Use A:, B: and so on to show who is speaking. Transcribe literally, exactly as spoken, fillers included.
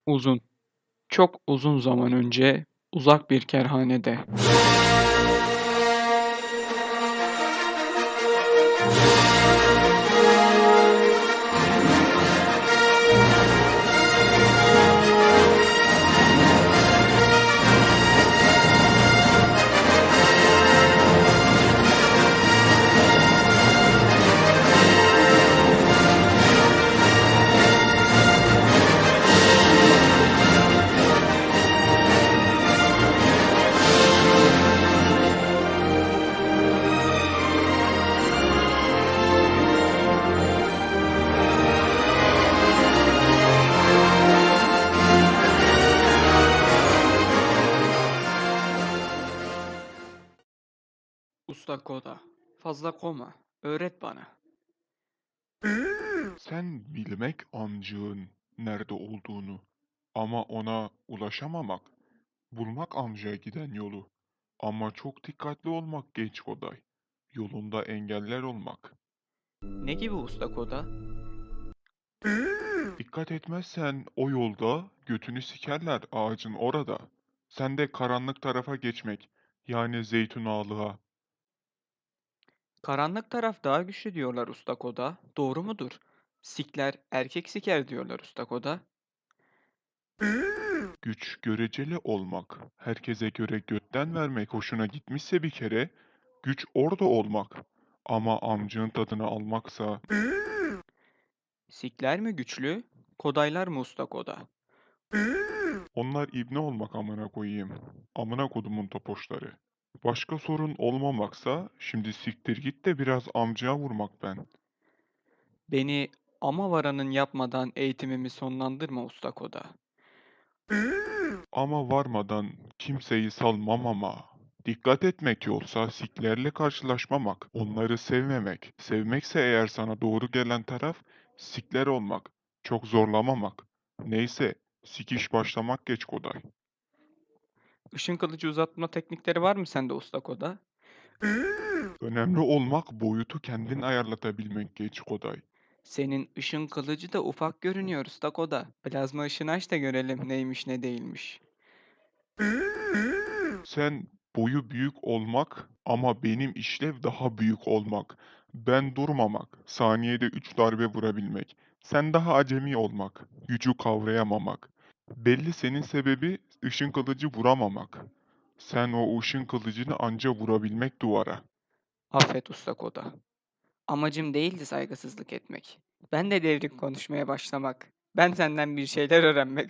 A: Uzun, çok uzun zaman önce uzak bir kerhanede. Usta Koda, fazla koma, öğret bana.
B: Sen bilmek amcığın nerede olduğunu ama ona ulaşamamak, bulmak amcaya giden yolu. Ama çok dikkatli olmak genç Koday. Yolunda engeller olmak.
A: Ne gibi Usta Koda?
B: Dikkat etmezsen o yolda götünü sikerler ağacın orada. Sen de karanlık tarafa geçmek, yani zeytun ağlığa.
A: Karanlık taraf daha güçlü diyorlar Usta Koda. Doğru mudur? Sikler erkek siker diyorlar Usta Koda.
B: Güç göreceli olmak, herkese göre götten vermek hoşuna gitmişse bir kere, güç orada olmak. Ama amcığın tadını almaksa,
A: Sikler mi güçlü? Kodaylar mı Usta Koda?
B: onlar ibne olmak amına koyayım. Amına kodumun topoşları. Başka sorun olmamaksa, şimdi siktir git de biraz amcaya vurmak ben.
A: Beni ama varanın yapmadan eğitimimi sonlandırma Usta Koda.
B: Ama varmadan kimseyi salmam ama. Dikkat etmek yolsa siklerle karşılaşmamak, onları sevmemek. Sevmekse eğer sana doğru gelen taraf, sikler olmak, çok zorlamamak. Neyse, sikiş başlamak geç Koday.
A: Işın kılıcı uzatma teknikleri var mı sende Usta Koda?
B: Önemli olmak boyutu kendin ayarlatabilmek geç Koday.
A: Senin ışın kılıcı da ufak görünüyor Usta Koda. Plazma ışını aç da görelim neymiş ne değilmiş.
B: Sen boyu büyük olmak ama benim işlev daha büyük olmak. Ben durmamak, saniyede üç darbe vurabilmek. Sen daha acemi olmak, gücü kavrayamamak. Belli senin sebebi ışın kılıcı vuramamak. Sen o ışın kılıcını anca vurabilmek duvara.
A: Affet Usta Koda. Amacım değildi saygısızlık etmek. Ben de devrik konuşmaya başlamak. Ben senden bir şeyler öğrenmek